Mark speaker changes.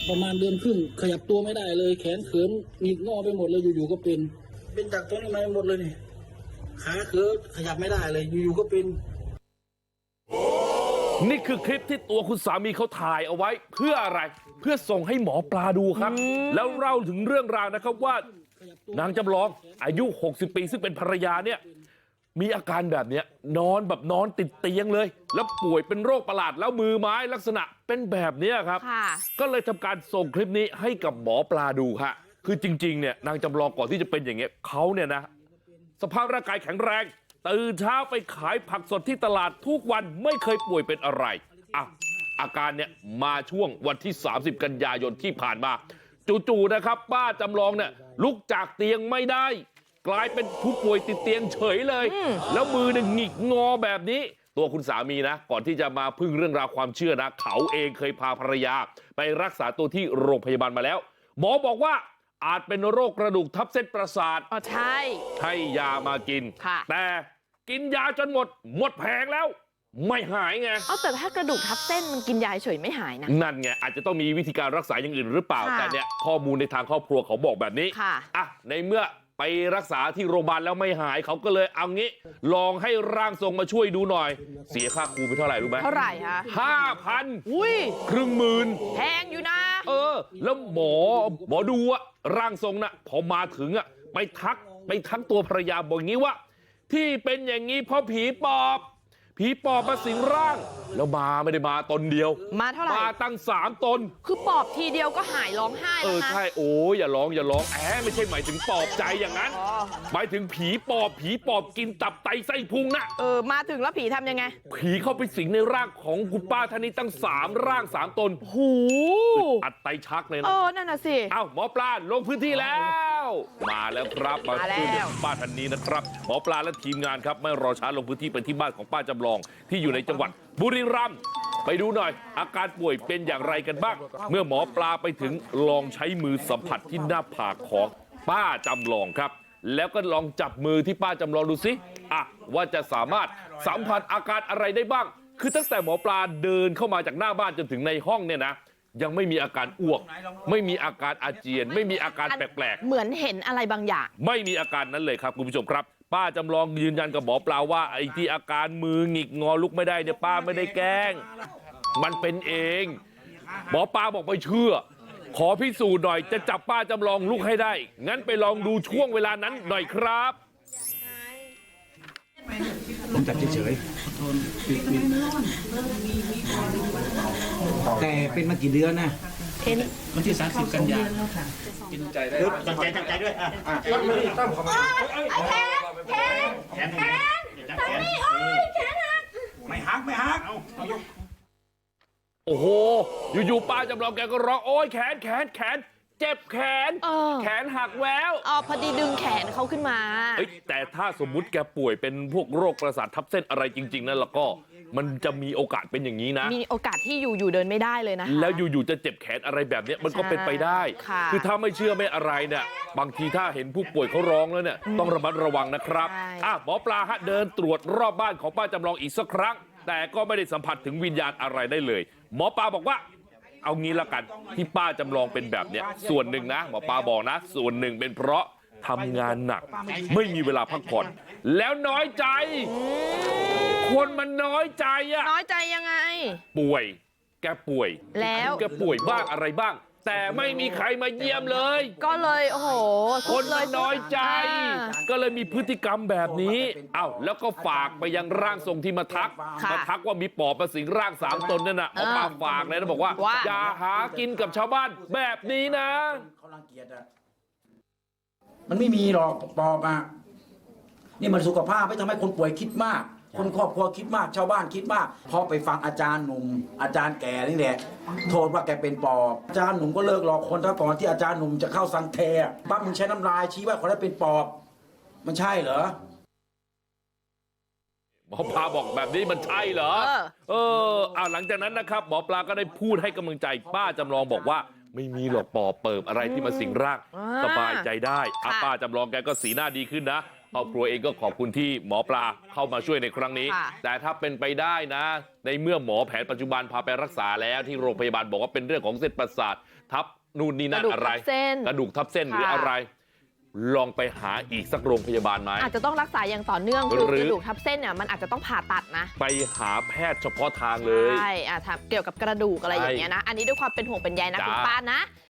Speaker 1: ประมาณเดือนครึ่งขยับตัวไม่ได้เลยแขนเขินหงิกงอไปหมดเลยอยู่ๆก็เป็นจากตรงนี้มาหมดเลยนี่ขาเขินขยับไม่ได้เลยอยู่ๆก็เป็น
Speaker 2: นี่คือคลิปที่ตัวคุณสามีเขาถ่ายเอาไว้เพื่ออะไรเพื่อส่งให้หมอปลาดูครับแล้วเล่าถึงเรื่องราวนะครับว่านางจำลองอายุ60 ปีซึ่งเป็นภรรยาเนี่ยมีอาการแบบเนี้ยนอนติดเตียงเลยแล้วป่วยเป็นโรคประหลาดแล้วมือไม้ลักษณะเป็นแบบเนี้ยครับก็เลยทำการส่งคลิปนี้ให้กับหมอปลาดูฮะคือจริงๆเนี่ยนางจำลองก่อนที่จะเป็นอย่างเงี้ยเขาเนี่ยนะสภาพร่างกายแข็งแรงตื่นเช้าไปขายผักสดที่ตลาดทุกวันไม่เคยป่วยเป็นอะไรอาการเนี่ยมาช่วงวันที่30 กันยายนที่ผ่านมาจู่ๆนะครับป้าจำลองเนี่ยลุกจากเตียงไม่ได้กลายเป็นผู้ป่วยติดเตียงเฉยเลยแล้วมือเนี่ยหงิกงอแบบนี้ตัวคุณสามีนะก่อนที่จะมาพึ่งเรื่องราวความเชื่อนะเขาเองเคยพาภรรยาไปรักษาตัวที่โรงพยาบาลมาแล้วหมอบอกว่าอาจเป็นโรคกระดูกทับเส้นประสาท
Speaker 3: ใช่
Speaker 2: ให้ยามากินแต่กินยาจนหมดแผงแล้วไม่หายไง
Speaker 3: แต่ถ้ากระดูกทับเส้นมันกินยาเฉยไม่หายนะ
Speaker 2: นั่นไงอาจจะต้องมีวิธีการรักษาอย่างอื่นหรือเปล่าแต่เนี่ยข้อมูลในทางครอบครัวเขาบอกแบบนี้ในเมื่อไปรักษาที่โรงพยาบาลแล้วไม่หายเขาก็เลยเอางี้ลองให้ร่างทรงมาช่วยดูหน่อยเสียค่าครูไปเท่าไหร่รู้ไหม
Speaker 3: เท่าไหร่คะ
Speaker 2: 5,000
Speaker 3: อุ้ย
Speaker 2: 10,000
Speaker 3: แพงอยู่นะ
Speaker 2: แล้วหมอดูอะร่างทรงน่ะพอมาถึงอะไปทักตัวภรรยาบอกอย่างนี้ว่าที่เป็นอย่างนี้เพราะผีปอบมาสิงร่างแล้วไม่ได้มาตนเดียว
Speaker 3: มาเท่าไหร่
Speaker 2: มาตั้ง3 ตน
Speaker 3: คือปอบทีเดียวก็หายร้องไห้แล้วนะ
Speaker 2: ใช่โอ้ยอย่าร้องไม่ใช่หมายถึงปอบใจอย่างนั้นหมายถึงผีปอบกินตับไตไส้พุงนะ
Speaker 3: มาถึงแล้วผีทำยังไง
Speaker 2: ผีเข้าไปสิงในร่างของคุณป้าท่านนี้ตั้ง3 ร่าง 3 ตน
Speaker 3: หู
Speaker 2: อัดไตชักเลยนะ
Speaker 3: นั่นน่ะสิ
Speaker 2: หมอปลาลงพื้นที่แล้วมาแล้วครับมาช่วยเหลือป้าท่านนี้นะครับหมอปลาและทีมงานครับไม่รอช้าลงพื้นที่ไปที่บ้านของป้าจำลองที่อยู่ในจังหวัดบุรีรัมย์ไปดูหน่อยอาการป่วยเป็นอย่างไรกันบ้างเมื่อหมอปลาไปถึงลองใช้มือสัมผัสที่หน้าผากของป้าจำลองครับแล้วก็ลองจับมือที่ป้าจำลองดูสิว่าจะสามารถสัมผัสอาการอะไรได้บ้างคือตั้งแต่หมอปลาเดินเข้ามาจากหน้าบ้านจนถึงในห้องเนี่ยนะยังไม่มีอาการอ้วกไม่มีอาการอาเจียนไม่มีอาการแปลกๆ
Speaker 3: เหมือนเห็นอะไรบางอย่าง
Speaker 2: ไม่มีอาการนั้นเลยครับคุณผู้ชมครับป้าจำลองยืนยันกับหมอปลาว่าไอ้ที่อาการมือหงิกงอลุกไม่ได้เนี่ยป้าไม่ได้แกล้งมันเป็นเองหมอปลาบอกไม่เชื่อขอพิสูจน์หน่อยจะจับป้าจำลองลุกให้ได้งั้นไปลองดูช่วงเวลานั้นหน่อยครับ
Speaker 4: ผมจับเฉยๆแต่เป็นมากี่เดือนนะ
Speaker 1: วันที่30 กันยายน
Speaker 4: กินใจได้
Speaker 5: ตั้งใจด้วย
Speaker 4: ตั้มเข้ามา
Speaker 5: แขนไม่หัก
Speaker 2: โอ้โหอยู่ๆป้าจำลองแกก็ร้องโอ๊ยแขนเจ็บแขนหักแวว
Speaker 3: พอดีดึงแขนเขาขึ้นมา
Speaker 2: แต่ถ้าสมมุติแกป่วยเป็นพวกโรคประสาททับเส้นอะไรจริงๆนั่นแล้วก็มันจะมีโอกาสเป็นอย่างนี้นะ
Speaker 3: มีโอกาสที่อยู่เดินไม่ได้เลยนะ
Speaker 2: แล้วอยู่จะเจ็บแขนอะไรแบบนี้มันก็เป็นไปได้คือถ้าไม่เชื่อไม่อะไรเนี่ยบางทีถ้าเห็นผู้ป่วยเขาร้องแล้วเนี่ยต้องระมัดระวังนะครับหมอปลาเดินตรวจรอบบ้านของป้าจำลองอีกสักครั้งแต่ก็ไม่ได้สัมผัสถึงวิญญาณอะไรได้เลยหมอปลาบอกว่าเอางี้ละกันที่ป้าจำลองเป็นแบบเนี้ยส่วนหนึ่งนะหมอปลาบอกนะส่วนหนึ่งเป็นเพราะทำงานหนักไม่มีเวลาพักผ่อนแล้วน้อยใจคนมันน้อยใจ
Speaker 3: น้อยใจยังไง
Speaker 2: แกป่วย
Speaker 3: แล้ว
Speaker 2: แกป่วยบ้างอะไรบ้างแต่ไม่มีใครมาเยี่ยมเลย
Speaker 3: ก็เลยโอ้โห
Speaker 2: คนมันน้อยใจก็เลยมีพฤติกรรมแบบนี้แล้วก็ฝากไปยังร่างทรงที่มาทักว่ามีปอบมาสิงร่าง3 ตนนั่นน่ะเอามาฝากเลยนะบอกว่าอย่าหากินกับชาวบ้านแบบนี้นะ
Speaker 4: เขารังเกียจมันไม่มีหรอกปอบนี่มันสุขภาพไม่ทำให้คนป่วยคิดมากคนครอบครัวคิดมากชาวบ้านคิดมากพอไปฟังอาจารย์หนุ่มอาจารย์แก่นี่แหละโทษว่าแกเป็นปอบอาจารย์หนุ่มก็เลิกหลอกคนถ้าก่อนที่อาจารย์หนุ่มจะเข้าสังเทปั๊บมึงใช้น้ำลายชี้ว่าคนนั้นเป็นปอบมันใช่เหรอ
Speaker 2: หมอปลาบอกแบบนี้มันใช่เหรอหลังจากนั้นนะครับหมอปลาก็ได้พูดให้กำลังใจป้าจำลองบอกว่าไม่มีหรอกปอบเปิบอะไรที่มาสิงร่างสบายใจได้ป้าจำลองแกก็สีหน้าดีขึ้นนะครอบครัวเองก็ขอบคุณที่หมอปลาเข้ามาช่วยในครั้งนี้
Speaker 3: ค่ะ
Speaker 2: แต่ถ้าเป็นไปได้นะ ในเมื่อหมอแผนปัจจุบันพาไปรักษาแล้วที่โรงพยาบาลบอกว่าเป็นเรื่องของเส้นประสาททับนู่นนี่นั่นอะไร กระดูกทับเส้นหรืออะไร ลองไปหาอีกสักโรงพยาบาลไหม
Speaker 3: อาจจะต้องรักษาอย่างต่อเนื่องคือกระดูกทับเส้นเนี่ยมันอาจจะต้องผ่าตัดนะ
Speaker 2: ไปหาแพทย์เฉพาะทางเลย
Speaker 3: ใช่เกี่ยวกับกระดูกอะไรอย่างเงี้ยนะ อันนี้ด้วยความเป็นห่วงเป็นใยนะ
Speaker 2: จ้า
Speaker 3: คุณป้านะ